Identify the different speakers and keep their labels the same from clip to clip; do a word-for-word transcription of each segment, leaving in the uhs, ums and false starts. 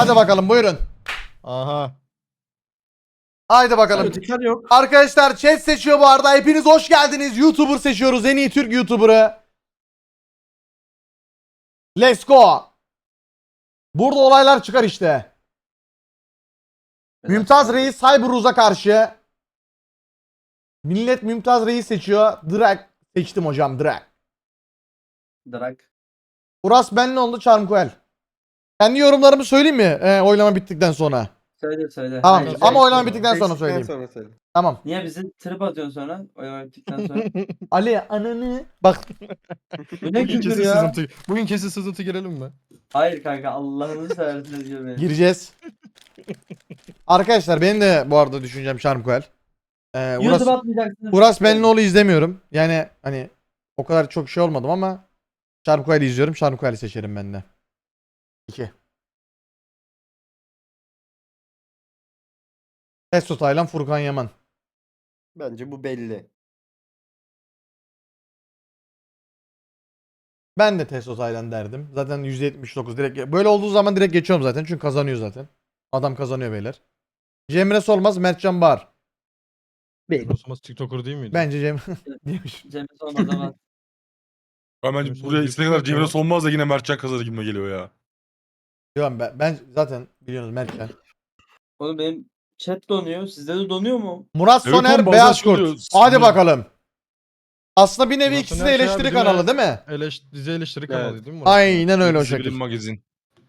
Speaker 1: Hadi bakalım buyurun.
Speaker 2: Aha.
Speaker 1: Haydi bakalım.
Speaker 3: Dikkat yok.
Speaker 1: Arkadaşlar chat seçiyor bu arada. Hepiniz hoş geldiniz. YouTuber seçiyoruz. En iyi Türk YouTuber'ı. Let's go. Burada olaylar çıkar işte. Mümtaz Reis Cyberuz'a karşı. Millet Mümtaz Reis seçiyor. Direkt seçtim hocam direkt.
Speaker 3: Drag.
Speaker 1: Uras Benlioğlu Charmkoel. Kendi yorumlarımı söyleyeyim mi? Ee, oylama bittikten sonra.
Speaker 3: Söyle söyle.
Speaker 1: Tamam
Speaker 3: Hayır,
Speaker 1: ama
Speaker 3: söyle.
Speaker 1: oylama bittikten sonra söyleyeyim.
Speaker 4: Sonra söyle.
Speaker 1: Tamam.
Speaker 3: Niye bizi trip atıyorsun sonra? Oylama bittikten sonra.
Speaker 1: Ali ananı. Bak
Speaker 3: Bu ne
Speaker 2: Bugün
Speaker 3: küfür
Speaker 2: kesin
Speaker 3: ya?
Speaker 2: sızıntı. Bugün kesin sızıntı girelim mi?
Speaker 3: Hayır kanka Allah'ını seversen diyor beni.
Speaker 1: gireceğiz. Arkadaşlar benim de bu arada düşüncem Charmkoel. Ee, Uras,
Speaker 3: YouTube atmayacaksınız.
Speaker 1: Uras Benlioğlu izlemiyorum. Yani hani o kadar çok şey olmadım ama Charmkoel'i izliyorum. Charmkoel'i seçerim ben de. iki. Testo Taylan, Furkan Yaman.
Speaker 4: Bence bu belli.
Speaker 1: Ben de Testo Taylan derdim. Zaten yüzde yetmiş dokuz direkt. Böyle olduğu zaman direkt geçiyorum zaten. Çünkü kazanıyor zaten. Adam kazanıyor beyler. Cemre Solmaz, Mertcan Bahar.
Speaker 2: Rosumaz TikToker değil miydi?
Speaker 1: Bence Cemre diyormuş.
Speaker 3: Cemil olmaz ama.
Speaker 5: Ben bence
Speaker 2: Mesela
Speaker 5: buraya
Speaker 2: bir
Speaker 5: istediği kadar
Speaker 2: şey
Speaker 5: Cemre
Speaker 2: var.
Speaker 5: Solmaz da yine Mertcan kazanır gibime geliyor ya.
Speaker 1: Diyorum ben, ben zaten biliyorsunuz Mertcan.
Speaker 3: Oğlum benim chat donuyor. Sizde de donuyor mu?
Speaker 1: Murat
Speaker 5: Evet
Speaker 1: Soner,
Speaker 5: oğlum, bazen
Speaker 1: Beyaz
Speaker 5: şey
Speaker 1: Kurt.
Speaker 5: oluyor,
Speaker 1: Hadi
Speaker 5: sinir-
Speaker 1: bakalım. Aslında bir nevi
Speaker 2: Murat
Speaker 1: ikisi de
Speaker 2: Soner şey
Speaker 1: eleştiri
Speaker 2: abi,
Speaker 1: kanalı
Speaker 2: değil
Speaker 1: değil mi?
Speaker 2: Eleş dizi eleştiri
Speaker 4: Evet.
Speaker 2: kanalı değil mi? Murat?
Speaker 1: Aynen öyle o
Speaker 5: Dizi
Speaker 1: şekil.
Speaker 5: Bilim Magazin.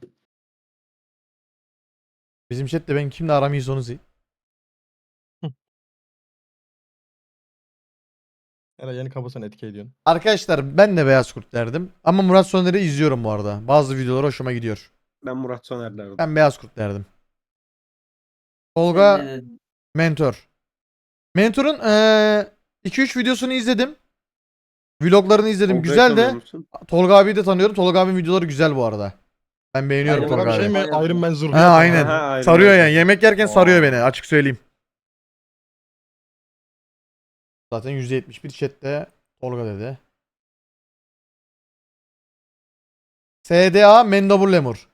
Speaker 1: Bizim chatte ben kimle aram iyi onu zi-
Speaker 2: Eray yeni kabasını etki ediyorsun.
Speaker 1: Arkadaşlar ben de Beyaz Kurt derdim. Ama Murat Soner'i izliyorum bu arada. Bazı videoları hoşuma gidiyor.
Speaker 4: Ben Murat Soner derdim.
Speaker 1: Ben Beyaz Kurt derdim.
Speaker 3: Sen
Speaker 1: Tolga
Speaker 3: ne dedin?
Speaker 1: Mentor. Mentor'un iki üç videosunu izledim. Vloglarını izledim.
Speaker 4: Tolga'yı
Speaker 1: Güzel
Speaker 4: tanıyor
Speaker 1: de.
Speaker 4: musun?
Speaker 1: Tolga abiyi de tanıyorum. Tolga abinin videoları güzel bu arada. Ben beğeniyorum
Speaker 3: Aynen,
Speaker 1: Tolga
Speaker 2: Tolga bir
Speaker 1: abi.
Speaker 2: şey mi? Iron Man zırhı.
Speaker 1: Ha
Speaker 2: yapıyor.
Speaker 1: aynen.
Speaker 4: Aha, aynen.
Speaker 1: Sarıyor yani. Yemek yerken sarıyor
Speaker 5: Aa.
Speaker 1: beni. Açık söyleyeyim. Zaten yüzde yetmiş bir chatte Tolga dedi. S D A Mendebur Lemur.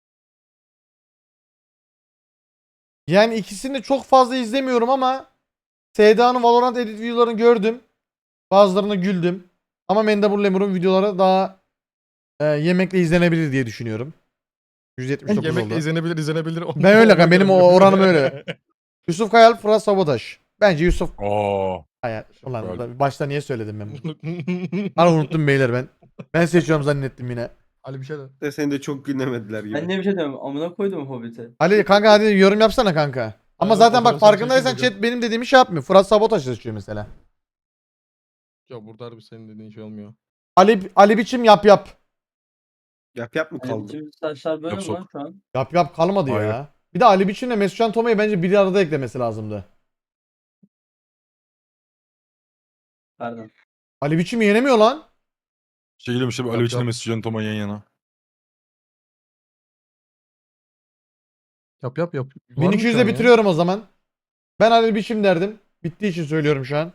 Speaker 1: Yani ikisini de çok fazla izlemiyorum ama S D A'nın Valorant edit videolarını gördüm. Bazılarına güldüm. Ama Mendebur Lemur'un videoları daha e, yemekle izlenebilir diye düşünüyorum. yüz yetmiş dokuz
Speaker 2: Yemekle
Speaker 1: oldu.
Speaker 2: izlenebilir izlenebilir.
Speaker 1: Ben öyle kan, benim o oranım öyle. Yusuf Kayal, Fırat Sabotaj. Bence Yusuf
Speaker 5: Aa.
Speaker 1: Kayal. Ulan
Speaker 5: Kayal.
Speaker 1: ulan, başta niye söyledim ben bunu? Ana unuttum beyler ben. Ben seçiyorum zannettim yine.
Speaker 2: Ali bir şey de.
Speaker 4: De seni de çok gülemediler gibi.
Speaker 3: Ben ne bir şey diyorum. Amına koydum Hobbit'i.
Speaker 1: Ali kanka hadi yorum yapsana kanka. Ama
Speaker 2: Aynen,
Speaker 1: zaten bak
Speaker 2: fotoğrafını
Speaker 1: farkındaysan
Speaker 2: çekeyim
Speaker 1: chat benim dediğimi şey yapmıyor. Fırat Sabotaj seçiyor mesela.
Speaker 2: Ya burada harbi senin dediğin şey olmuyor.
Speaker 1: Ali Ali biçim yap yap.
Speaker 4: Yap yap mı
Speaker 3: Hani
Speaker 4: kaldı?
Speaker 3: bütün saçlar böyle mi
Speaker 5: Yok,
Speaker 3: lan şu an?
Speaker 1: Yap yap kalmadı
Speaker 5: Hayır.
Speaker 1: ya. Bir de Ali biçimle Mesutcan Toma'yı bence bir arada eklemesi lazımdı.
Speaker 3: Pardon.
Speaker 1: Ali biçim yenemiyor lan.
Speaker 5: Şey geliyorum işte
Speaker 2: Yap,
Speaker 5: Ali Biçim'le
Speaker 2: yap.
Speaker 5: Mesut Can Toma yan yana.
Speaker 2: Yap yap yap. Var mı
Speaker 1: bin iki
Speaker 2: şu
Speaker 1: yüzde
Speaker 2: an ya?
Speaker 1: bitiriyorum o zaman. Ben Ali biçim derdim. Bittiği için söylüyorum şu an.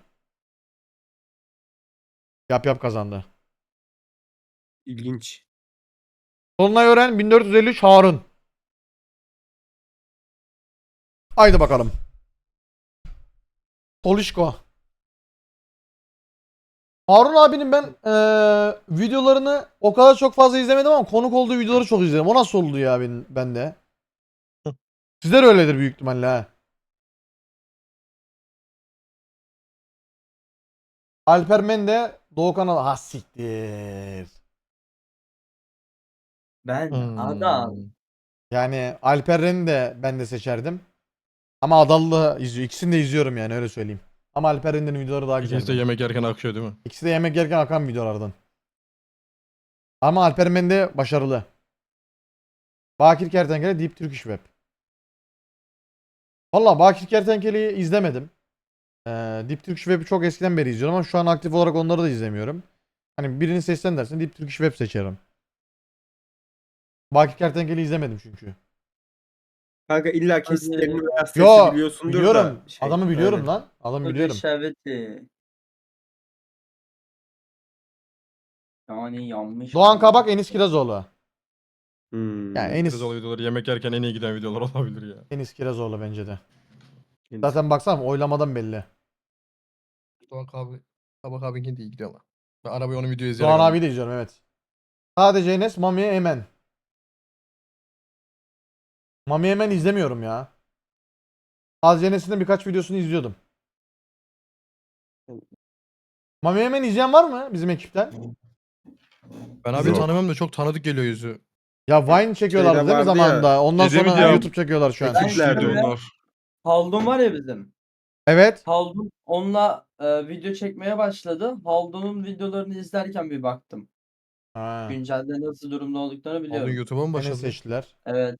Speaker 1: Yap yap kazandı.
Speaker 4: İlginç.
Speaker 1: Dolunay Ören bin dört yüz elli üç Harun. Haydi bakalım. Tolişko. Harun abinin ben eee, videolarını o kadar çok fazla izlemedim ama konuk olduğu videoları çok izledim. O nasıl oldu ya ben, ben de? Sizler öyledir büyük ihtimalle ha. Alper Mende, Doğukan Al... Ha siktir.
Speaker 3: Ben
Speaker 2: Hmm.
Speaker 3: adam.
Speaker 1: Yani Alperen'i de ben de seçerdim. Ama Adallı izliyor. İkisini de izliyorum yani öyle söyleyeyim. Ama Alperen'in videoları daha güzel.
Speaker 2: İkisi de yemek yerken akıyor değil mi?
Speaker 1: İkisi de yemek yerken akan videolardan. Ama Alper Mende başarılı. Bakir Kertenkele Deep Turkish Web. Valla Bakir Kertenkele'yi izlemedim. Ee, Deep Turkish Web'i çok eskiden beri izliyorum ama şu an aktif olarak onları da izlemiyorum. Hani birini seçsen dersin Deep Turkish Web seçerim. Bakir Kertenkele'yi izlemedim çünkü.
Speaker 4: Kanka illa
Speaker 3: Hadi.
Speaker 4: kesitlerini veya sesi
Speaker 1: Yo
Speaker 4: biliyorsundur
Speaker 1: biliyorum.
Speaker 4: da. şey,
Speaker 1: Adamı biliyorum
Speaker 4: aynen.
Speaker 1: lan. Adamı
Speaker 3: Hadi
Speaker 1: biliyorum.
Speaker 3: şerbeti. Yani yanmış.
Speaker 1: Doğan Kabak Enis Kirazoğlu.
Speaker 4: Hmm.
Speaker 1: Yani Enis,
Speaker 2: Kirazoğlu videoları yemek yerken en iyi giden videolar olabilir ya.
Speaker 1: Enis Kirazoğlu bence de.
Speaker 4: Enis.
Speaker 1: Zaten baksana oylamadan belli.
Speaker 2: Tabak abi. Tabak abi de iyi gidiyor ama. Ben arabayı onun videoyu izleyerek
Speaker 1: Doğan
Speaker 2: aldım.
Speaker 1: abi de izliyorum evet. Sadece Enes, Mami Emen. Mami Emen izlemiyorum ya. Sadece Enes'in de birkaç videosunu izliyordum. Mami Emen izleyen var mı bizim ekipten?
Speaker 2: Ben abi
Speaker 5: Yok.
Speaker 2: tanımam da çok tanıdık geliyor yüzü.
Speaker 1: Ya Vine çekiyorlardı
Speaker 4: Şeyde
Speaker 1: değil mi
Speaker 4: vardı ya,
Speaker 1: zamanında? Ondan
Speaker 5: şey değil
Speaker 1: sonra
Speaker 5: miydi ya?
Speaker 1: YouTube çekiyorlar şu an.
Speaker 3: Ben
Speaker 5: Ekipçiydi
Speaker 3: şöyle-
Speaker 5: onlar.
Speaker 3: Haldun var ya bizim.
Speaker 1: Evet.
Speaker 3: Haldun onunla e, video çekmeye başladı. Haldun'un videolarını izlerken bir baktım.
Speaker 1: Ha.
Speaker 3: Güncelde nasıl durumda olduklarını
Speaker 2: Aldın
Speaker 3: biliyorum.
Speaker 2: YouTube'a mı
Speaker 1: Enes
Speaker 2: başladı?
Speaker 1: seçtiler.
Speaker 3: Evet.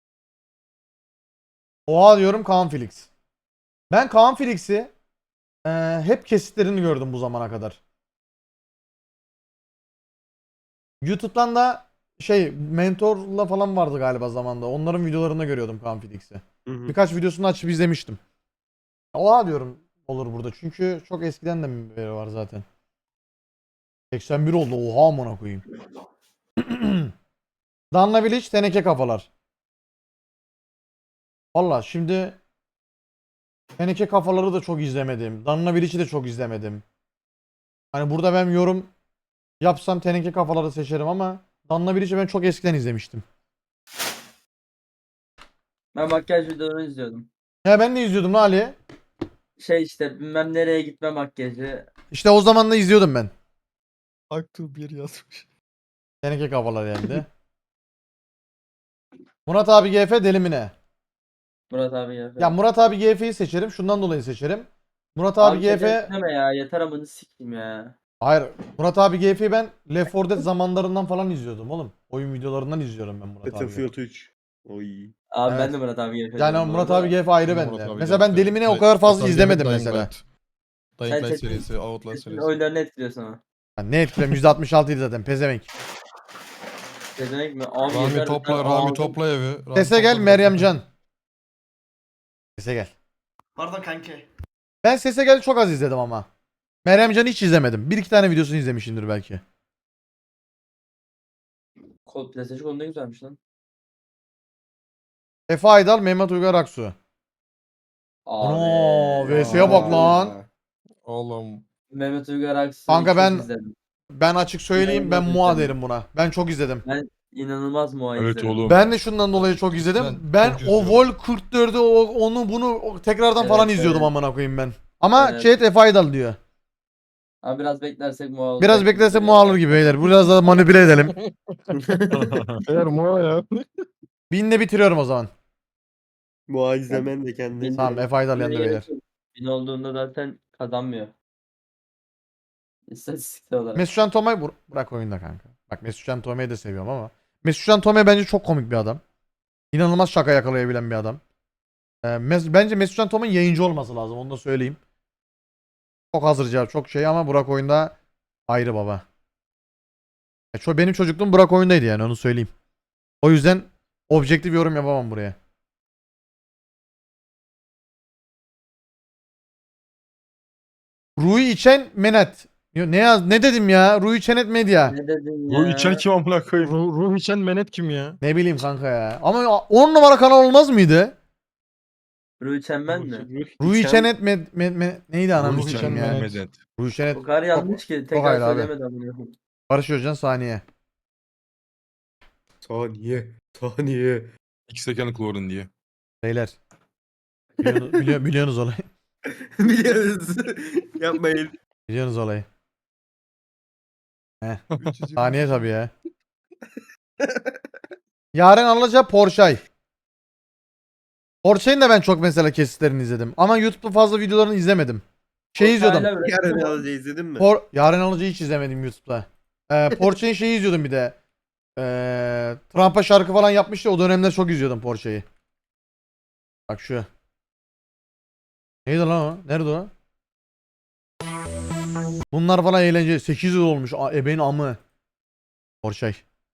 Speaker 1: Oha diyorum Kaan Felix. Ben Kaan Felix'i e, hep kesitlerini gördüm bu zamana kadar. YouTube'dan da şey Mentor'la falan vardı galiba zamanda. Onların videolarında görüyordum Kaan Felix'i.
Speaker 4: Hı hı.
Speaker 1: Birkaç videosunu açıp izlemiştim. Oha diyorum olur burada. Çünkü çok eskiden de beri var zaten. seksen bir oldu. Oha amına koyayım. Danla Bilic, teneke kafalar. Valla şimdi teneke kafaları da çok izlemedim. Danla Bilic'i de çok izlemedim. Hani burada ben yorum yapsam teneke kafaları seçerim ama Danla Bilic'i ben çok eskiden izlemiştim.
Speaker 3: Ben makyaj videolarını izliyordum.
Speaker 1: Ya ben de izliyordum lan Ali.
Speaker 3: Şey işte bilmem nereye gitme makyajı.
Speaker 1: İşte o zaman da izliyordum ben.
Speaker 2: Aktu bir yazmış.
Speaker 1: Teneke kafalar geldi. Murat abi G F deli mi ne?
Speaker 3: Murat abi ya.
Speaker 1: Ya Murat abi G F'yi seçerim. Şundan dolayı seçerim. Murat abi,
Speaker 3: Abi
Speaker 1: G F...
Speaker 3: deme ya. Yeter amını sikeyim ya.
Speaker 1: Hayır. Murat abi G F'yi ben Left four Dead zamanlarından falan izliyordum oğlum. Oyun videolarından izliyorum ben Murat abi.
Speaker 4: Battlefield üç. Oy.
Speaker 3: Abi
Speaker 1: Evet.
Speaker 3: ben de Murat abi yapıyorum.
Speaker 1: Yani Murat abi G F ayrı
Speaker 2: Murat
Speaker 1: bende.
Speaker 2: abi
Speaker 1: Mesela ben
Speaker 2: G F,
Speaker 1: Delimine o
Speaker 2: Dying-
Speaker 1: kadar fazla
Speaker 2: Murat abi
Speaker 1: izlemedim
Speaker 2: Dying
Speaker 1: mesela.
Speaker 2: Light. Dying
Speaker 3: Sen
Speaker 2: Light
Speaker 3: Çetin-
Speaker 2: serisi, Outlast
Speaker 3: Senin
Speaker 2: serisi.
Speaker 3: oyunlarını etkiliyorsun ama.
Speaker 1: Ya ne etkilem yüzde altmış altıydı zaten pezevenk.
Speaker 3: Ne demek mi? Abi
Speaker 2: Rami
Speaker 3: yeter,
Speaker 2: topla,
Speaker 3: ben
Speaker 2: Rami
Speaker 3: aldım.
Speaker 2: topla evi. Rami
Speaker 1: Sese
Speaker 2: topla
Speaker 1: gel
Speaker 2: biraz
Speaker 1: Meryem
Speaker 2: daha.
Speaker 1: Can. Sese gel.
Speaker 6: Pardon kanki.
Speaker 1: Ben Sese gel çok az izledim ama. Meryem Can'ı hiç izlemedim. Bir iki tane videosunu izlemişimdir belki.
Speaker 3: Kod PlayStation konu ne güzelmiş lan.
Speaker 1: Efe Aydal, Mehmet Uygar Aksu.
Speaker 3: Abi.
Speaker 1: Ana V S'ye bak lan.
Speaker 2: Oğlum.
Speaker 3: Mehmet Uygar Aksu'yu
Speaker 1: Kanka
Speaker 3: çok
Speaker 1: ben-
Speaker 3: izledim.
Speaker 1: Ben açık söyleyeyim ben
Speaker 3: İnanılmaz
Speaker 1: Mua
Speaker 3: izledim.
Speaker 1: derim buna. Ben çok izledim.
Speaker 3: Ben inanılmaz muay
Speaker 5: Evet
Speaker 3: izledim.
Speaker 5: oğlum.
Speaker 1: Ben de şundan dolayı çok izledim.
Speaker 2: Ben
Speaker 1: Ben
Speaker 2: çok
Speaker 1: o
Speaker 2: izliyorum.
Speaker 1: Vol kırk dördü o, onu bunu o- tekrardan
Speaker 3: Evet,
Speaker 1: falan izliyordum
Speaker 3: evet.
Speaker 1: amına koyayım ben. Ama
Speaker 3: Evet.
Speaker 1: chat Efe Aydal diyor.
Speaker 3: Abi biraz beklersek Mua olacak.
Speaker 1: Biraz
Speaker 3: gibi
Speaker 1: beklersek
Speaker 3: duruyor.
Speaker 1: Mua alır gibi beyler. Biraz daha manipüle edelim.
Speaker 2: Eğer Moa ya.
Speaker 1: Binle bitiriyorum o zaman.
Speaker 4: Bu izlemen de kendine.
Speaker 3: Bin-
Speaker 1: Tamam Efe Aydal
Speaker 3: Bine
Speaker 1: yandı
Speaker 3: gerek
Speaker 1: beyler.
Speaker 3: yok. Bin olduğunda zaten kazanmıyor. İstatistiksel olarak.
Speaker 1: Mesut Tomay bur- bırak oyunda kanka. Bak Mesut Tomay'ı da seviyorum ama. Mesut Tomay bence çok komik bir adam. İnanılmaz şaka yakalayabilen bir adam. Ee, Mes- bence Mesut Tomay yayıncı olması lazım onu da söyleyeyim. Çok hazır cevap çok şey ama Burak oyunda ayrı baba. Ya ço- benim çocukluğum Burak oyundaydı yani onu söyleyeyim. O yüzden objektif yorum yapamam buraya. Rui içen Menet. Yo, ne yaz ne dedim ya? Rui Çenet Medya.
Speaker 3: Ne dedin ya?
Speaker 5: Bu içen kim amına koyayım?
Speaker 2: Ruh, Ruh içen Menet kim ya?
Speaker 1: Ne bileyim kanka ya. Ama on numara kanal olmaz mıydı?
Speaker 3: Rui Çemmen mi?
Speaker 1: Rui
Speaker 4: İçen-
Speaker 1: Çenet med, med, med- neydi ananı
Speaker 2: Ruhi
Speaker 1: sikeyim
Speaker 2: Çenet.
Speaker 1: ya.
Speaker 5: Medet.
Speaker 1: Rui Çenet.
Speaker 3: O kadar yanlış ki
Speaker 1: çok
Speaker 3: tekrar
Speaker 1: ayrı abi.
Speaker 3: söylemedi amına.
Speaker 1: Barış Özcan saniye.
Speaker 4: Saniye. Saniye.
Speaker 5: İki second chlorine diye.
Speaker 1: Beyler. Biliyorsunuz, biliyor, biliyorsunuz olayı.
Speaker 4: Biliyoruz. Yapmayın.
Speaker 1: Biliyorsunuz olayı. Heh. Saniye tabii ya. Yarın alacağı Porsche. Porsche'nin de ben çok mesela kesitlerini izledim. Ama YouTube'da fazla videolarını izlemedim. Şey izliyordum.
Speaker 3: Hala üretim
Speaker 4: Yarın
Speaker 3: var.
Speaker 4: alıcı izledin mi?
Speaker 1: Por Yarın alıcıyı hiç izlemedim YouTube'da. Ee, Porsche'nin şeyi izliyordum bir de. Ee, Trump'a şarkı falan yapmıştı. O dönemler çok izliyordum Porsche'yi. Bak şu. Neydi lan o? Nerede o? Bunlar falan eğlence. sekiz yıl olmuş. A- Ebeğin amı. Porsche.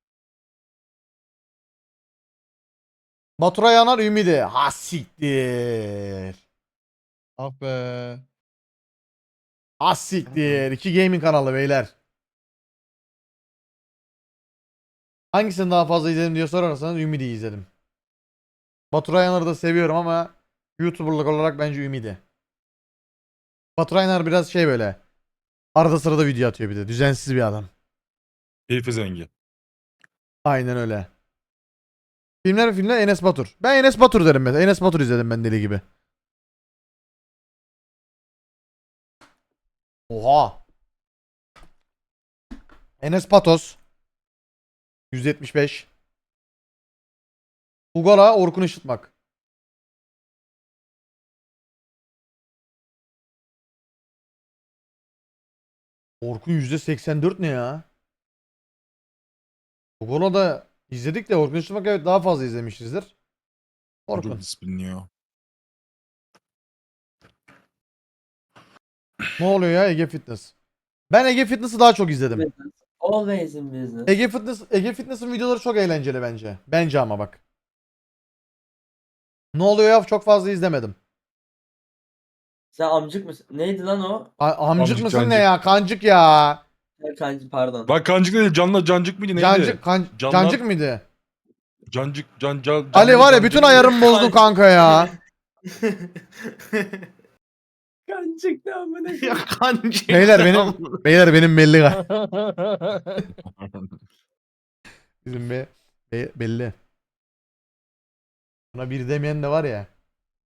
Speaker 1: Baturay Yanar Ümidi. Ha siktir.
Speaker 2: Ah be.
Speaker 1: Ha siktir. İki gaming kanalı beyler. Hangisini daha fazla izledim diye sorarsanız Ümidi'yi izledim. Batu Rayaner'ı da seviyorum ama YouTuber'lık olarak bence Ümidi. Batu Rayaner biraz şey böyle. Arada sırada video atıyor bir de. Düzensiz bir adam.
Speaker 5: Keyfi zengi.
Speaker 1: Aynen öyle. Filmler mi filmler? Enes Batur. Ben Enes Batur derim mesela. Enes Batur izledim ben deli gibi. Oha. Enes Patos. yüz yetmiş beş. Ugala Orkun Işıtmak. Orkun yüzde seksen dört ne ya? Ugala da izledik de Orkun Işıtmak evet daha fazla izlemişizdir. Orkun.
Speaker 5: Çok disiplinli ya.
Speaker 1: Ne oluyor ya Ege Fitness? Ben Ege Fitness'ı daha çok izledim.
Speaker 3: Business. Always in business.
Speaker 1: Ege Fitness Ege Fitness'ın videoları çok eğlenceli bence. Bence ama bak. Ne oluyor ya çok fazla izlemedim.
Speaker 3: Sen amcık mısın? Neydi lan o?
Speaker 1: A- amcık
Speaker 5: Amcık,
Speaker 1: mısın ne
Speaker 5: cancık.
Speaker 1: ya? Kancık ya.
Speaker 3: Kancı pardon.
Speaker 5: Bak kancık değil canla cancık mıydı neydi?
Speaker 1: Cancık, kan-
Speaker 5: Canlar-
Speaker 1: cancık mıydı?
Speaker 5: Cancık can can.
Speaker 1: Ali
Speaker 5: canlı
Speaker 1: var ya
Speaker 5: cancık
Speaker 1: bütün
Speaker 5: mıydı?
Speaker 1: ayarımı bozdun kanka ya.
Speaker 3: Kancık ne amına
Speaker 4: Ya
Speaker 3: koyayım.
Speaker 4: kancı.
Speaker 1: Beyler benim beyler benim belli ga- Bizim be, be- belli. Buna bir demeyen de var ya.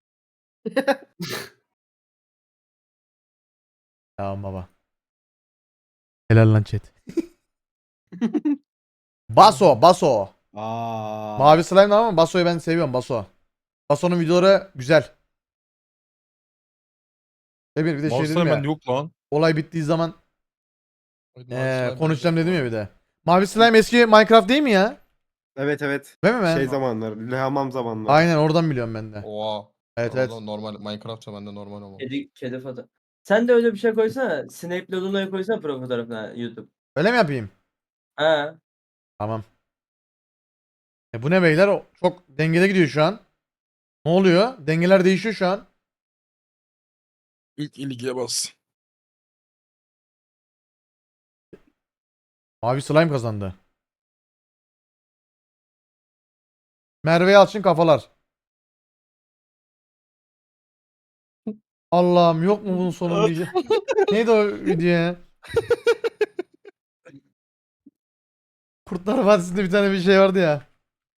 Speaker 1: Tamam baba. Helal lan chat. Baso, Baso.
Speaker 4: Aa.
Speaker 1: Mavi slime ama Baso'yu ben seviyorum Baso. Baso'nun videoları güzel. Ve bir, bir de şey
Speaker 5: Mouse
Speaker 1: dedim ya.
Speaker 5: bende yok lan.
Speaker 1: Olay bittiği zaman
Speaker 2: Mavi
Speaker 1: eee,
Speaker 2: slime
Speaker 1: konuşacağım
Speaker 2: bende
Speaker 1: dedim ya
Speaker 2: var.
Speaker 1: bir de. Mavi slime eski Minecraft değil mi ya?
Speaker 4: Evet evet.
Speaker 1: Değil mi ben?
Speaker 4: Şey zamanları. Hamam zamanları.
Speaker 1: Aynen oradan biliyorum ben de.
Speaker 2: Oha.
Speaker 1: Evet
Speaker 2: O
Speaker 1: evet.
Speaker 2: zaman normal Minecraft'ta bende normal ama.
Speaker 3: Kedi, kedi foto. Sen de öyle bir şey koysana. Snape'le Luna'yı koysana profil fotoğrafına YouTube.
Speaker 1: Öyle mi yapayım?
Speaker 3: Ha.
Speaker 1: Tamam. E bu ne beyler? O çok dengede gidiyor şu an. Ne oluyor? Dengeler değişiyor şu an.
Speaker 5: İlk ilgiye bas.
Speaker 1: Mavi slime kazandı. Merve Yalçın kafalar. Allah'ım yok mu bunun sonu diyeceğim. Neydi o video ya? Kurtlar Vadisi'nde bir tane bir şey vardı ya.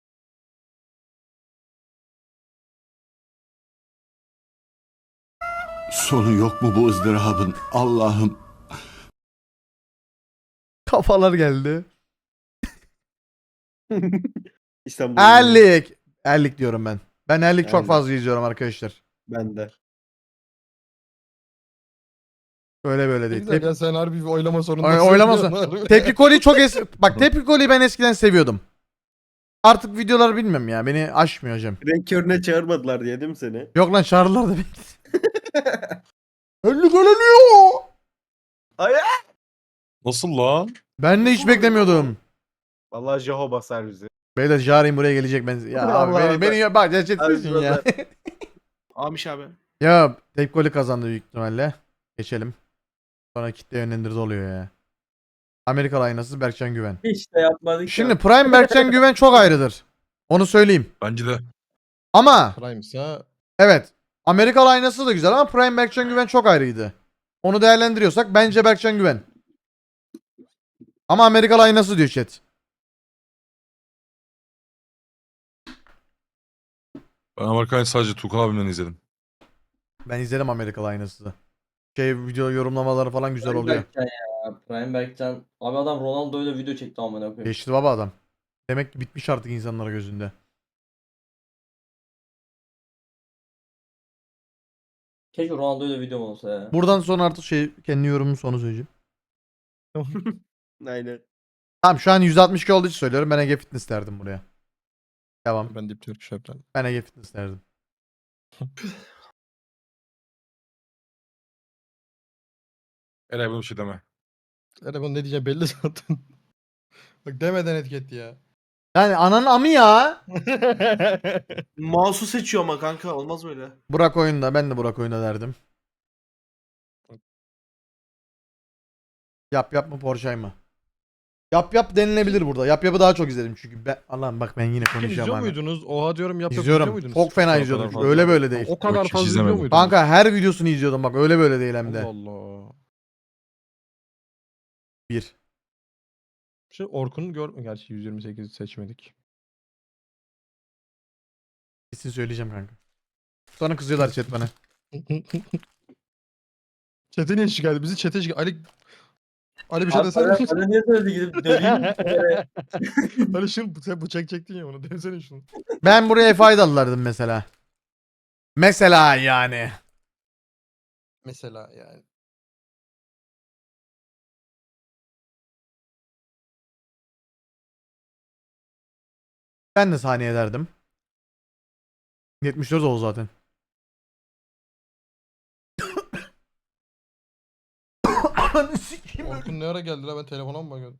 Speaker 6: Sonu yok mu bu ızdırabın? Allah'ım.
Speaker 1: Kafalar geldi.
Speaker 4: İstanbul.
Speaker 1: Erlik. Erlik diyorum ben. Ben Erlik çok
Speaker 4: Erlik.
Speaker 1: fazla izliyorum arkadaşlar.
Speaker 4: Ben de.
Speaker 1: Öyle böyle
Speaker 2: Ne
Speaker 1: değil.
Speaker 2: güzel
Speaker 1: Tep-
Speaker 2: ya sen harbi bir oylama
Speaker 1: Oy-
Speaker 2: zorundasın.
Speaker 1: oylama sor- Tepki Koli'yi çok es... Bak Tepki Koli'yi ben eskiden seviyordum. Artık videoları bilmiyorum ya. Beni aşmıyor hocam.
Speaker 4: Renk körüne çağırmadılar diye değil mi seni?
Speaker 1: Yok lan çağırırlar da beni. Erlik öleniyor.
Speaker 5: Nasıl lan?
Speaker 1: Ben de hiç beklemiyordum.
Speaker 7: Vallahi Jeho basar bizi.
Speaker 1: Beyler Jari'm buraya gelecek ben. Ya abi
Speaker 4: Allah
Speaker 1: beni,
Speaker 4: Allah.
Speaker 1: beni ya- bak gerçekten ya.
Speaker 7: Amiş abi.
Speaker 1: Ya Tepki Koli kazandı büyük ihtimalle. Geçelim. Sonra kitle yönlendirdi oluyor ya. Amerikalı aynası Berkcan Güven.
Speaker 3: Hiç de yapmadık.
Speaker 1: Şimdi
Speaker 3: ya.
Speaker 1: Prime Berkcan Güven çok ayrıdır. Onu söyleyeyim.
Speaker 5: Bence de.
Speaker 1: Ama
Speaker 2: Prime'sa
Speaker 1: evet. Amerikalı aynası da güzel ama Prime Berkcan Güven çok ayrıydı. Onu değerlendiriyorsak bence Berkcan Güven. Ama Amerikalı aynası diyor chat.
Speaker 5: Ben Amerika'yı sadece Tukan abimden izledim.
Speaker 1: Ben izledim Amerikalı aynası da. Şey video yorumlamaları falan güzel
Speaker 3: Prime
Speaker 1: oluyor.
Speaker 3: Berkcan ya. Prime Berkcan. Abi adam Ronaldo'yla video çekti amına koyayım.
Speaker 1: Geçti baba adam. Demek ki bitmiş artık insanlara gözünde.
Speaker 3: Keşke Ronaldo'yla videom olsa ya.
Speaker 1: Buradan sonra artık şey kendi yorumumun sonu söyleyeceğim.
Speaker 4: Aynen.
Speaker 1: Tamam şu an yüz altmış iki olduğu için söylüyorum. Ben Ege Fitness derdim buraya. Devam.
Speaker 2: ben Deep Turkish yapacağım.
Speaker 1: Ben Ege Fitness derdim.
Speaker 5: Eray buna bir şey deme.
Speaker 2: Ere bunu ne diyeceğim belli zaten. Bak demeden etiketti ya.
Speaker 1: Yani ananın amı ya.
Speaker 7: Mouse'u seçiyor ama kanka olmaz böyle.
Speaker 1: Burak oyunda. Ben de Burak oyunda derdim. Yap yap mı Porsche mı? Yap yap denilebilir burada. Yap yapı daha çok izledim çünkü. Ben, Allah'ım bak ben yine
Speaker 2: Sen
Speaker 1: konuşuyorum
Speaker 2: izliyor
Speaker 1: abi.
Speaker 2: muydunuz? Oha diyorum yap yap izliyor
Speaker 1: İzliyorum.
Speaker 2: muydunuz?
Speaker 1: Çok fena
Speaker 5: kadar
Speaker 1: izliyordum çünkü
Speaker 5: fazla.
Speaker 1: öyle böyle değil.
Speaker 2: O kadar
Speaker 5: Yok, hiç
Speaker 2: fazla izliyor
Speaker 5: izlemedim.
Speaker 2: muydunuz?
Speaker 1: Kanka her videosunu izliyordum bak öyle böyle değil hem de.
Speaker 2: Allah Allah.
Speaker 1: Bir.
Speaker 2: Şey Orkun'u gör... Gerçi yüz yirmi sekiz seçmedik.
Speaker 1: Kesin söyleyeceğim kanka. Sonra kızıyorlar chat bana.
Speaker 2: Çete niye şikayet? Bizi çete şikayet. Ali... Ali bir şey
Speaker 3: Abi
Speaker 2: desene.
Speaker 3: bana, bana niye söyledi gidip döveyim mi?
Speaker 2: Ali şunu sen bıçak çektin ya onu desene şunu.
Speaker 1: Ben buraya faydalılardım mesela. Mesela yani.
Speaker 2: Mesela yani.
Speaker 1: Ben de saniye derdim. yetmiş dört oldu zaten. Ananı sikeyim.
Speaker 2: Orkun ne ara geldi la ben telefona mı bakıyordum?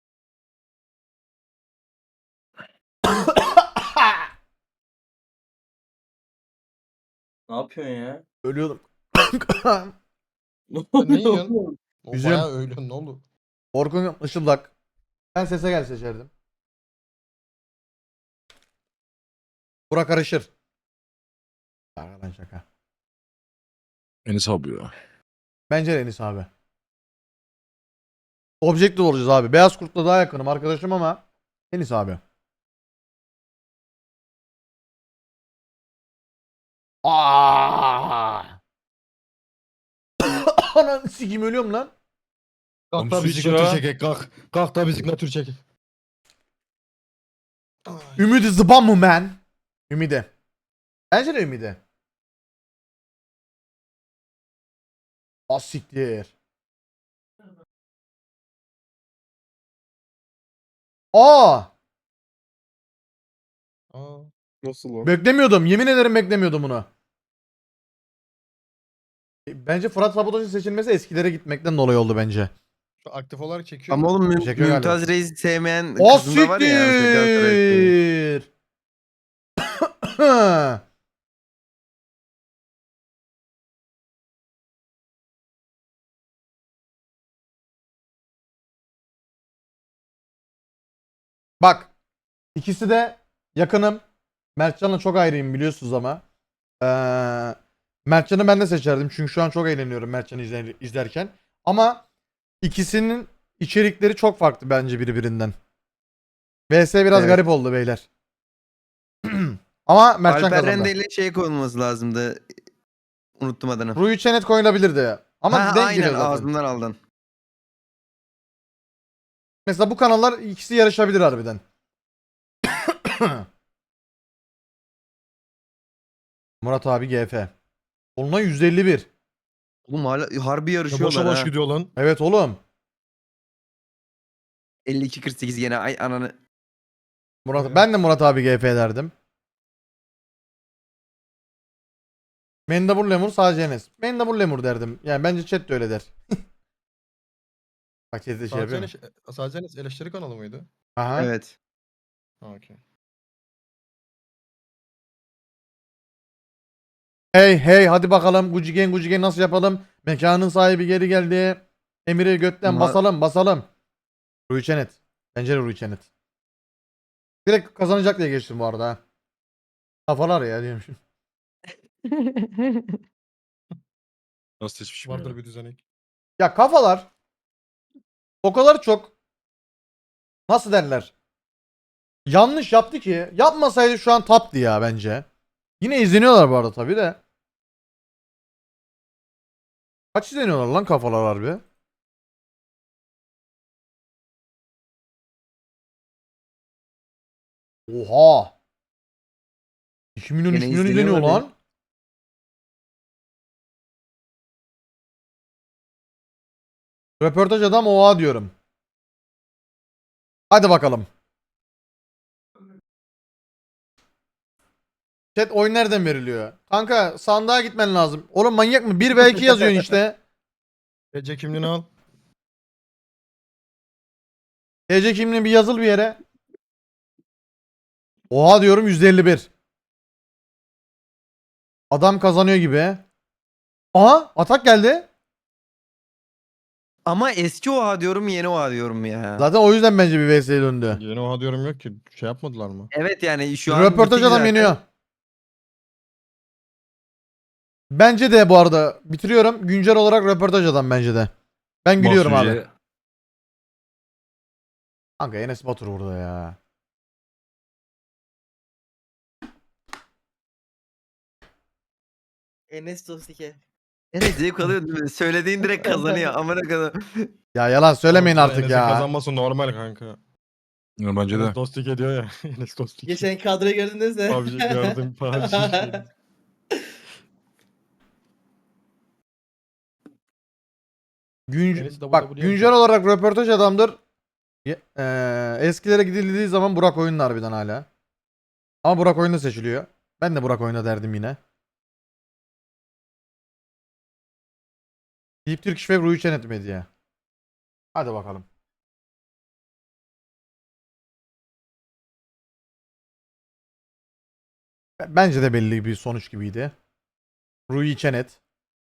Speaker 3: Ne yapıyorsun ya?
Speaker 1: Ölüyordum.
Speaker 3: Ne
Speaker 2: Sen ne
Speaker 3: oluyor
Speaker 2: yiyorsun?
Speaker 3: oğlum?
Speaker 2: O
Speaker 1: Üzüm.
Speaker 2: bayağı öyle ne oldu?
Speaker 1: Orkun Işıldak. Ben sese gel seçerdim. Burak karışır. Şaka lan şaka.
Speaker 5: Enis abi ya.
Speaker 1: Bence de Enis abi. Objektif olacağız abi. Beyaz Kurt'la daha yakınım arkadaşım ama Enis abi. Aa! Ananı sikeyim ölüyorum lan.
Speaker 2: Kalk
Speaker 5: Oğlum
Speaker 2: da
Speaker 5: su iç
Speaker 2: bisiklet
Speaker 5: ya.
Speaker 2: çekek kalk. Kalk da bisiklet çekek. Ay.
Speaker 1: Ümidi zıban mı man? Ümidi. Bence de Ümidi. Az siktir. Aa!
Speaker 2: Aa.
Speaker 4: Nasıl o?
Speaker 1: Beklemiyordum. Yemin ederim beklemiyordum bunu. E, Bence Fırat Sabotaj'ın seçilmesi eskilere gitmekten dolayı oldu bence.
Speaker 2: Şu aktif olarak çekiyor.
Speaker 4: Ama
Speaker 2: mu?
Speaker 4: oğlum Müm-
Speaker 1: Teşekkür ederim.
Speaker 4: Mümtaz Reis'i sevmeyen
Speaker 1: O
Speaker 4: kızın da var ya. yani Galatasaray
Speaker 1: siktir. Bak. İkisi de yakınım. Mertcan'la çok ayrıyım biliyorsunuz ama. Ee, Mertcan'ı ben de seçerdim. Çünkü şu an çok eğleniyorum Mertcan'ı izler, izlerken. Ama ikisinin içerikleri çok farklı bence birbirinden. V S biraz
Speaker 4: Evet.
Speaker 1: garip oldu beyler. Ama Mertcan
Speaker 4: Alper
Speaker 1: kazandı.
Speaker 4: Rende ile şey konulması lazımdı. Unuttum adını.
Speaker 1: Rui Çenet koyulabilirdi. Ama
Speaker 4: ha,
Speaker 1: denk
Speaker 4: aynen
Speaker 1: geliyor zaten.
Speaker 4: ağzımdan aldın.
Speaker 1: Mesela bu kanallar ikisi yarışabilir harbiden. Murat abi G F. Onunla yüz elli bir.
Speaker 4: Oğlum hala harbi
Speaker 2: Ya
Speaker 4: yarışıyorlar
Speaker 2: boşa boş
Speaker 4: ha.
Speaker 2: gidiyor lan.
Speaker 1: Evet oğlum.
Speaker 4: elli iki kırk sekiz gene ay ananı.
Speaker 1: Murat,
Speaker 2: Evet.
Speaker 1: ben de Murat abi G F derdim. Mendebur Lemur sadece Enes. Mendebur Lemur derdim. Yani bence chat de öyle der. Bak chat'te şey yapıyor.
Speaker 2: Sadece, sadece eleştiri kanalı mıydı?
Speaker 1: Aha.
Speaker 4: Evet.
Speaker 2: Ha okey.
Speaker 1: Hey hey hadi bakalım Gucigen Gucigen nasıl yapalım? Mekanın sahibi geri geldi. Emir'i götten
Speaker 4: Ma-
Speaker 1: basalım basalım. Rui Çenet. Bence de Rui Çenet. Direkt kazanacak diye geçtim bu arada. ha. Kafalar ya diyormuşum.
Speaker 5: Nasıl seçmişim
Speaker 2: Vardır
Speaker 5: ya?
Speaker 2: bir düzenek.
Speaker 1: Ya kafalar o kadar çok nasıl derler? Yanlış yaptı ki yapmasaydı şu an taptı ya bence. Yine izleniyorlar bu arada tabi de. Kaç izleniyorlar lan kafalar harbi? Oha. iki milyon üç
Speaker 4: Gene
Speaker 1: milyon
Speaker 4: izleniyor
Speaker 1: izleniyor
Speaker 4: abi.
Speaker 1: lan. Röportaj adam oha diyorum. Hadi bakalım. Chat oyun nereden veriliyor? Kanka sandığa gitmen lazım. Oğlum manyak mı? bir ve iki yazıyorsun işte.
Speaker 2: T C kimliğini al.
Speaker 1: T C kimliği bir yazıl bir yere. Oha diyorum yüzde elli bir. Adam kazanıyor gibi. Aha atak geldi.
Speaker 4: Ama eski Oha diyorum yeni Oha diyorum ya.
Speaker 1: Zaten o yüzden bence bir V S'ye döndü.
Speaker 2: Yeni oha diyorum yok ki. Şey yapmadılar mı?
Speaker 4: Evet yani şu an
Speaker 1: Röportaj
Speaker 4: bitti
Speaker 1: adam
Speaker 4: zaten.
Speaker 1: yeniyor. Bence de bu arada bitiriyorum. Güncel olarak röportaj adam bence de. Ben gülüyorum abi.
Speaker 5: Mahsuciye-
Speaker 1: Kanka Enes Batur burada ya.
Speaker 8: Enes Dostike.
Speaker 4: Evet zevk alıyor değil mi? Söylediğin direkt kazanıyor. Amına kadar.
Speaker 1: Ya yalan söylemeyin
Speaker 2: Oğlum,
Speaker 1: artık
Speaker 2: Enes'in
Speaker 1: ya.
Speaker 2: kazanması normal kanka.
Speaker 5: Ya bence de.
Speaker 2: Enes Dostik ediyor ya. Enes Dostik.
Speaker 8: Geçen kadroyu gördünüz mü?
Speaker 2: P U B G gördüm. P U B G.
Speaker 1: Günc-
Speaker 2: Enes W
Speaker 1: Bak
Speaker 2: W
Speaker 1: güncel
Speaker 2: yapacak.
Speaker 1: olarak röportaj adamdır. Ye- eee, eskilere gidildiği zaman Burak Oyun'da harbiden hala. Ama Burak Oyun'da seçiliyor. Ben de Burak Oyun'da derdim yine. Deep Turkish Web Ruhi Çenet Medya. Hadi bakalım. B- Bence de belli bir sonuç gibiydi. Ruhi Çenet.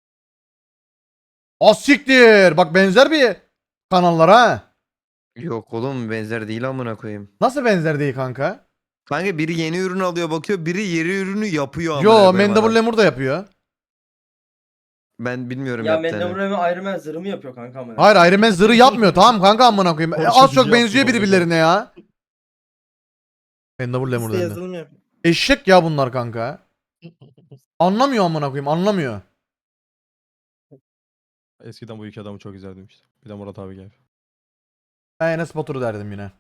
Speaker 1: Asiktir. Bak benzer bir kanallar ha.
Speaker 4: Yok oğlum benzer değil amına koyayım.
Speaker 1: Nasıl benzer değil kanka?
Speaker 4: Kanka biri yeni ürün alıyor bakıyor, biri yeni ürünü yapıyor amına
Speaker 1: Yo,
Speaker 4: koyayım
Speaker 1: Mendebur
Speaker 4: adam.
Speaker 1: Lemur da yapıyor.
Speaker 4: Ben bilmiyorum
Speaker 3: Ya
Speaker 4: yaptığını.
Speaker 3: Mendebur Remy Iron Man zırhı mı yapıyor kanka amına?
Speaker 1: Hayır, Iron Man zırhı yapmıyor. Tamam kanka amına koyayım. E,
Speaker 2: Porsche
Speaker 1: az çok
Speaker 2: gücü
Speaker 1: benziyor
Speaker 2: yaptı
Speaker 1: birbirlerine ya. Mendebur Lemur
Speaker 8: Liste
Speaker 1: dendi.
Speaker 8: yazılım yap.
Speaker 1: Eşek ya bunlar kanka. Anlamıyor amına koyayım, anlamıyor.
Speaker 2: Eskiden bu iki adamı çok izlerdim işte. Bir de Murat abi gel.
Speaker 1: Ben Enes Batur'u derdim yine.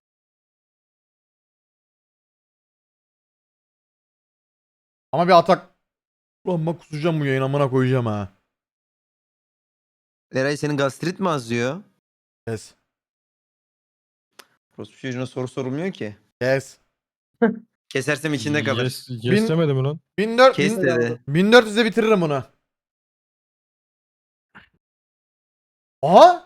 Speaker 1: Ama bir atak. Ulan bak kusacağım bu yayın, amına koyacağım ha.
Speaker 4: Eray senin gastrit mi azıyor?
Speaker 1: Yes.
Speaker 4: Prospu çocuğuna soru sorulmuyor ki.
Speaker 1: Yes.
Speaker 4: Kesersem içinde kalır.
Speaker 2: Yes, yes
Speaker 1: Bin-
Speaker 2: demedi mi lan?
Speaker 1: bin dört
Speaker 4: Kes
Speaker 1: bin-
Speaker 4: dedi.
Speaker 1: bin dört yüze bitiririm bunu. Aha!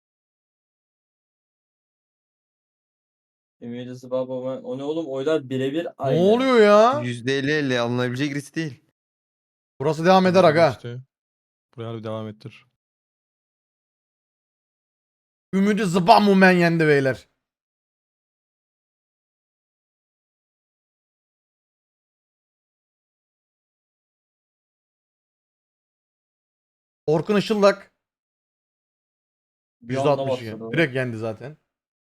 Speaker 3: Emily's Baba o ne oğlum, oylar birebir
Speaker 1: Ne
Speaker 3: aynı.
Speaker 1: oluyor ya?
Speaker 4: yüzde elli elli alınabilecek risk değil.
Speaker 1: Burası devam eder aga.
Speaker 2: İşte. Buraya harbi devam ettir.
Speaker 1: Ümidi Zıbamumen yendi beyler. Orkun Işıldak
Speaker 3: Bir anda
Speaker 1: yüzde altmış iki.
Speaker 3: başladı.
Speaker 1: Direkt yendi zaten.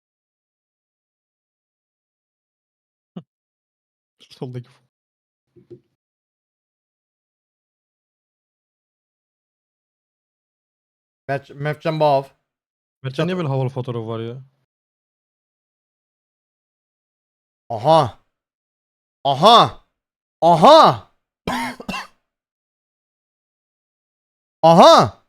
Speaker 2: Soldaki.
Speaker 1: Mef Mefcan Bağav.
Speaker 2: Mertcan niye böyle havalı fotoğrafı var ya?
Speaker 1: Aha. Aha. Aha. Aha.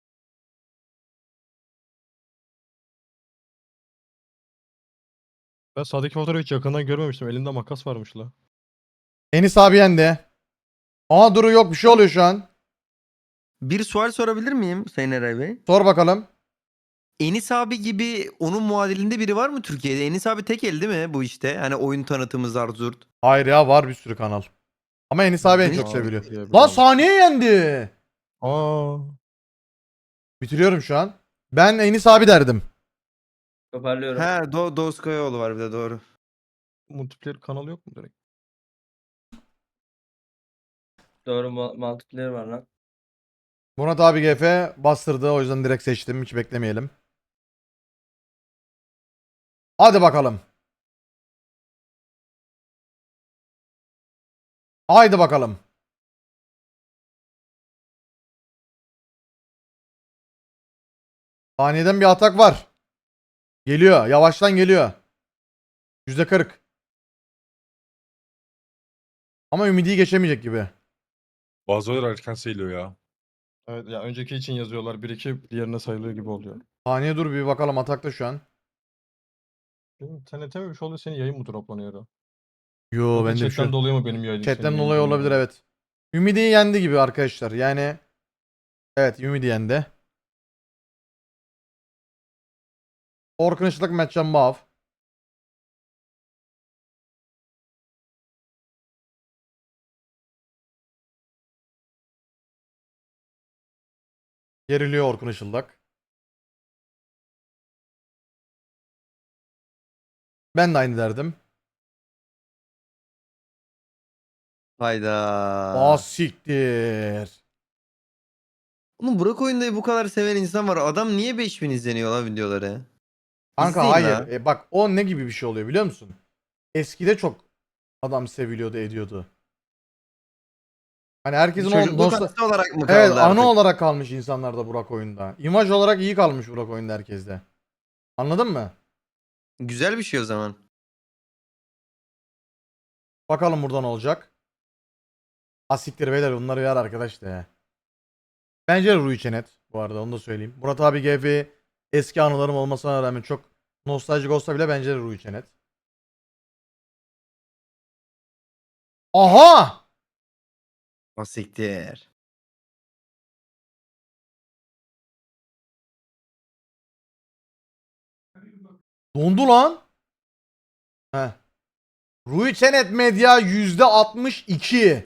Speaker 2: Ben sağdaki fotoğrafı hiç yakından görmemiştim. Elinde makas varmış la.
Speaker 1: Enis abi yendi. Aha duru yok, bir şey oluyor şu an.
Speaker 4: Bir sual sorabilir miyim Sayın Eray Bey?
Speaker 1: Sor bakalım.
Speaker 4: Enis abi gibi onun muadilinde biri var mı Türkiye'de? Enis abi tek el değil mi bu işte? Hani oyun tanıtımı zart zurt.
Speaker 1: Hayır ya, var bir sürü kanal. Ama Enis abi en
Speaker 4: Enis
Speaker 1: çok
Speaker 4: abi
Speaker 1: seviliyor.
Speaker 2: diye bir
Speaker 1: Lan
Speaker 2: adam.
Speaker 1: saniye yendi.
Speaker 2: Aa.
Speaker 1: Bitiriyorum şu an. Ben Enis abi derdim.
Speaker 3: Toparlıyorum.
Speaker 4: Ha Do Doğuz Kayaoğlu var bir de doğru.
Speaker 2: Multiplayer kanalı yok mu direkt?
Speaker 3: Doğru, ma- multiplayer var lan.
Speaker 1: Murat abi G F bastırdı, o yüzden direkt seçtim. Hiç beklemeyelim. Hadi bakalım. Haydi bakalım. Saniyeden bir atak var. Geliyor. Yavaştan geliyor. yüzde kırk. Ama Ümidi'yi geçemeyecek gibi.
Speaker 5: Bazı oylar erken sayılıyor ya.
Speaker 2: Evet ya önceki için yazıyorlar. Bir iki diğerine sayılıyor gibi oluyor.
Speaker 1: Saniye dur bir bakalım, atakta şu an.
Speaker 2: Benim T N T mi bir şey oluyor, senin yayın mı droplanıyor ya?
Speaker 1: Yo,
Speaker 2: Yoksa
Speaker 1: bende bir şey
Speaker 2: chatten
Speaker 1: yok.
Speaker 2: dolayı mı benim yayınım? senin
Speaker 1: Chatten
Speaker 2: yayın
Speaker 1: dolayı
Speaker 2: durmuyor?
Speaker 1: olabilir, evet. Ümidi'yi yendi gibi arkadaşlar. Yani evet, Ümidi yendi. Orkun Işıtlık, Mertcan Bağav. Geriliyor Orkun Işıldak. Ben de aynı derdim.
Speaker 4: Hayda.
Speaker 1: Aa siktir.
Speaker 4: Oğlum Burak Oyunda'yı bu kadar seven insan var. Adam niye beş bin izleniyor lan videoları?
Speaker 1: Kanka
Speaker 4: İzleyin
Speaker 1: hayır.
Speaker 4: la.
Speaker 1: E, bak o ne gibi bir şey oluyor biliyor musun? Eskide çok adam seviliyordu ediyordu. Hani herkesin o
Speaker 4: Çocukluk
Speaker 1: nostal-
Speaker 4: anısı olarak mı kaldı
Speaker 1: Evet
Speaker 4: artık?
Speaker 1: anı olarak kalmış insanlarda Burak Oyunda. İmaj olarak iyi kalmış Burak Oyunda herkeste. Anladın mı?
Speaker 4: Güzel bir şey o zaman.
Speaker 1: Bakalım buradan olacak. Asiktir beyler bunları yer arkadaş da ya. Bence de Rui Çenet bu arada onu da söyleyeyim. Murat abi G F eski anılarım olmasına rağmen çok nostaljik olsa bile bence de Rui Çenet. Aha!
Speaker 4: Asiktir.
Speaker 1: Dondu lan. Heh. Rui Çenet Medya yüzde altmış iki.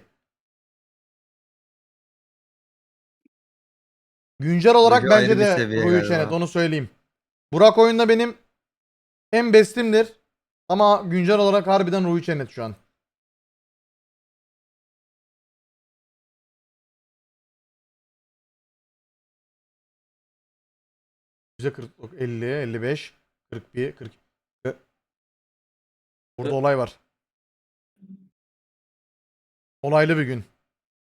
Speaker 1: Güncel olarak
Speaker 4: Böyle
Speaker 1: bence
Speaker 4: ayrı bir
Speaker 1: de
Speaker 4: seviye
Speaker 1: Rui
Speaker 4: galiba.
Speaker 1: Çenet onu söyleyeyim. Burak oyunda benim en bestimdir. Ama güncel olarak harbiden Rui Çenet şu an. yüzde kırk, elli, elli beş, kırk bir, kırk. Burada olay var. Olaylı bir gün.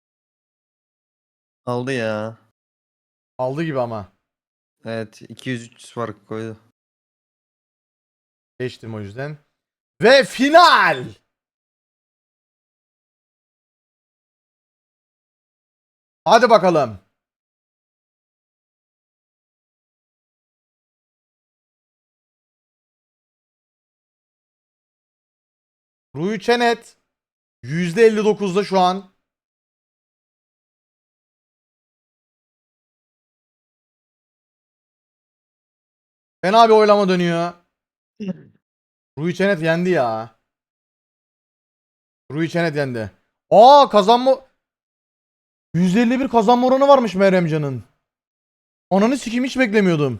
Speaker 4: Aldı ya.
Speaker 1: Aldı gibi ama.
Speaker 4: Evet iki yüz üç yüz fark koydu.
Speaker 1: Geçtim o yüzden. Ve final. Hadi bakalım. Rui Çenet yüzde elli dokuzda şu an. Fena bir oylama dönüyor. Rui Çenet yendi ya. Rui Çenet yendi. Aa kazanma yüzde elli bir kazanma oranı varmış Meryemcan'ın. Ananı sikeyim hiç beklemiyordum.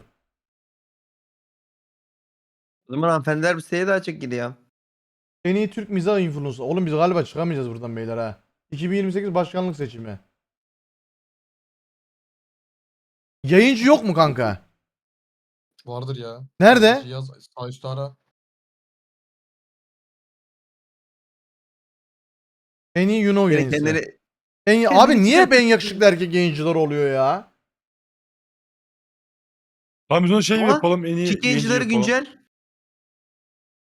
Speaker 4: O zaman hanımefendiler bir seye daha çek gidiyor.
Speaker 1: En iyi Türk mizah influencer. Oğlum biz galiba çıkamayacağız buradan beyler ha. iki bin yirmi sekiz başkanlık seçimi. Yayıncı yok mu kanka?
Speaker 2: Vardır ya.
Speaker 1: Nerede?
Speaker 2: Yaz sağ üstte ara.
Speaker 1: En iyi Yuno
Speaker 4: Beni
Speaker 1: yayıncısı.
Speaker 4: kendileri...
Speaker 1: En,
Speaker 4: kendini
Speaker 1: abi niye hep en
Speaker 4: çıkartıyor.
Speaker 1: yakışıklı erkek yayıncılar oluyor ya?
Speaker 5: Tamam biz onu şey mi
Speaker 4: Ama
Speaker 5: yapalım en iyi
Speaker 4: Kick
Speaker 5: yayıncı
Speaker 4: yayıncıları
Speaker 5: yapalım.
Speaker 4: güncel.